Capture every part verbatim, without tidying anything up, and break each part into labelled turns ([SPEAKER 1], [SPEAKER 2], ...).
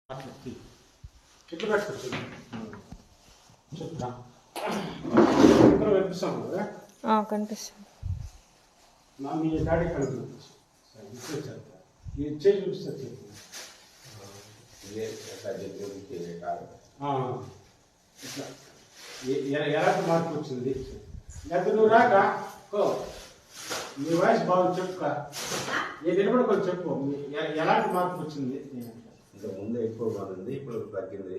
[SPEAKER 1] చెట్లు పెట్టుకోవచ్చు చెప్తా ఇక్కడ కనిపిస్తాం కదా
[SPEAKER 2] కనిపిస్తుంది
[SPEAKER 1] నా మీ డాడీ కనిపిస్తుంది ఇది చేసి చూపిస్తారు చెప్పు ఇట్లా ఎలాంటి మార్పు వచ్చింది లేకపోతే నువ్వు రాక నీ వాయిస్ బాగుంది చెప్పుక ఏ నిలబడి కొంచెం చెప్పు ఎలాంటి మార్పు వచ్చింది
[SPEAKER 3] ముందు ఎక్కువ బాగుంది ఇప్పుడు తగ్గింది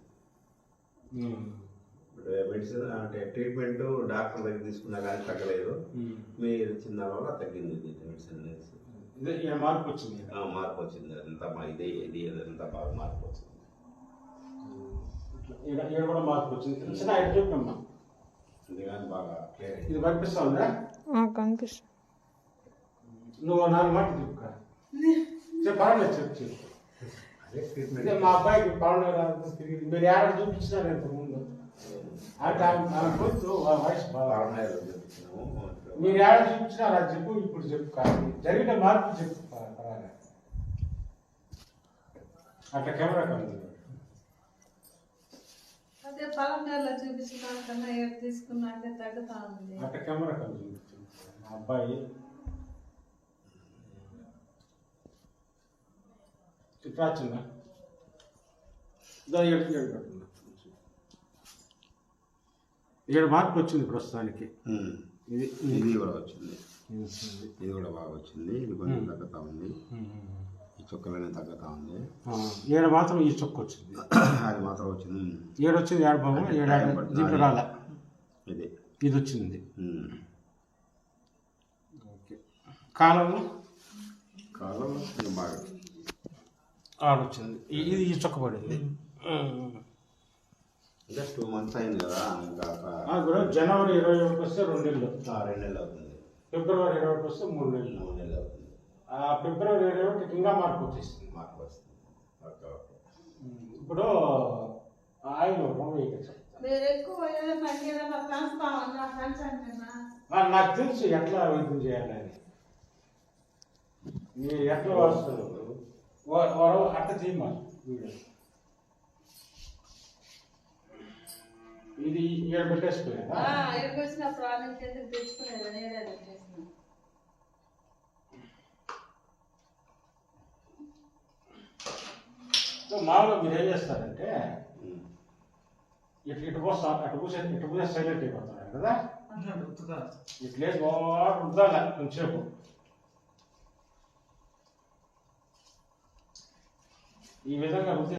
[SPEAKER 3] మెడిసిన్ అంటే ట్రీట్మెంట్ డాక్టర్ దగ్గర తీసుకున్నా కానీ తగ్గలేదు మీరు చిన్న వల్ల తగ్గింది మెడిసిన్
[SPEAKER 1] మార్పు వచ్చింది
[SPEAKER 3] మార్పు వచ్చింది అదంతా మా ఇదే ఇది అదంతా బాగా మార్పు వచ్చింది
[SPEAKER 1] ఇక్కడ కూడా మార్పు వచ్చింది తెలిసిన ఆయన చెప్పమ్మా
[SPEAKER 3] ఇది కానీ బాగా క్లియర్
[SPEAKER 1] ఇది కనిపిస్తా ఉందా
[SPEAKER 2] కనిపిస్తుంది
[SPEAKER 1] నువ్వు నాలుగు మాట చెప్పుకా చెప్పు పర్వాలేదు చెప్పు చెప్పు
[SPEAKER 3] అదే ట్రీట్మెంట్
[SPEAKER 1] ఇదే మా అబ్బాయికి పవన్ తిరిగి మీరు ఏడాది చూపించినారు ఇంతకుముందు అంటే ఆమె గొంతు వయసు బాగా మీరు ఏడాది చూపించినారు అది చెప్పు ఇప్పుడు చెప్పు కాదు జరిగిన మార్పు చెప్పు పర్వాలేదు అట్లా కెమెరా కలుగుతుంది
[SPEAKER 4] అదే పలమనేరులో చూపించిన కన్నా ఏడు తీసుకున్నాకే తగ్గుతా ఉంది
[SPEAKER 1] అట్లా కెమెరా కలుగుతుంది మా అబ్బాయి ఇట్లా చిన్న ఏడు ఏడు కట్టున్నా ఏడు మార్పు వచ్చింది ప్రస్తుతానికి
[SPEAKER 3] ఇది ఇది కూడా వచ్చింది ఇది కూడా బాగా వచ్చింది ఇది కొంచెం తగ్గుతా ఉంది ఈ చుక్కలనే తగ్గుతా ఉంది
[SPEAKER 1] ఏడు మాత్రం ఈ చుక్క వచ్చింది
[SPEAKER 3] అది మాత్రం వచ్చింది
[SPEAKER 1] ఏడు వచ్చింది ఏడు బాబు ఏడు దీంట్లో రాలే
[SPEAKER 3] ఇది
[SPEAKER 1] ఇది వచ్చింది ఓకే కాలంలో
[SPEAKER 3] కాలం బాగా
[SPEAKER 1] ఆడొచ్చింది ఇది ఈ చుక్క పడింది
[SPEAKER 3] జస్ట్ టూ మంత్స్ అయింది కదా
[SPEAKER 1] ఇంకా జనవరి ఇరవై ఒకటి వస్తే రెండు నెలలు
[SPEAKER 3] రెండు నెలలు అవుతుంది
[SPEAKER 1] ఫిబ్రవరి ఇరవై ఒకటి వస్తే మూడు నెలలు
[SPEAKER 3] మూడు నెలలు అవుతుంది
[SPEAKER 1] ఆ ఫిబ్రవరి ఇరవై ఒకటి ఇంకా మార్పు వచ్చేసింది
[SPEAKER 3] మార్పు వస్తుంది ఓకే ఓకే
[SPEAKER 1] ఇప్పుడు ఆయన
[SPEAKER 4] మీరు ఎక్కువ
[SPEAKER 1] నాకు తెలుసు ఎట్లా వైద్యం చేయాలని మీరు ఎట్లా వస్తారు అట్ట చేయమని వీడియో ఇది ఏడు పెట్టేసుకోలేదా
[SPEAKER 4] ఎక్కడికి వచ్చినప్పుడు ఆ నుంచి ఎందుకు తెచ్చుకునేది నేనే తెచ్చేసిన
[SPEAKER 1] మామూలుగా మీరు ఏం చేస్తారంటే ఇటు ఇటు పోస్తా అటు పూసే ఇటు పూసే సైలెంట్ అయిపోతున్నారు కదా ఇట్లేదు బాగా రుద్దాల కొంచెంసేపు ఈ విధంగా రుద్ది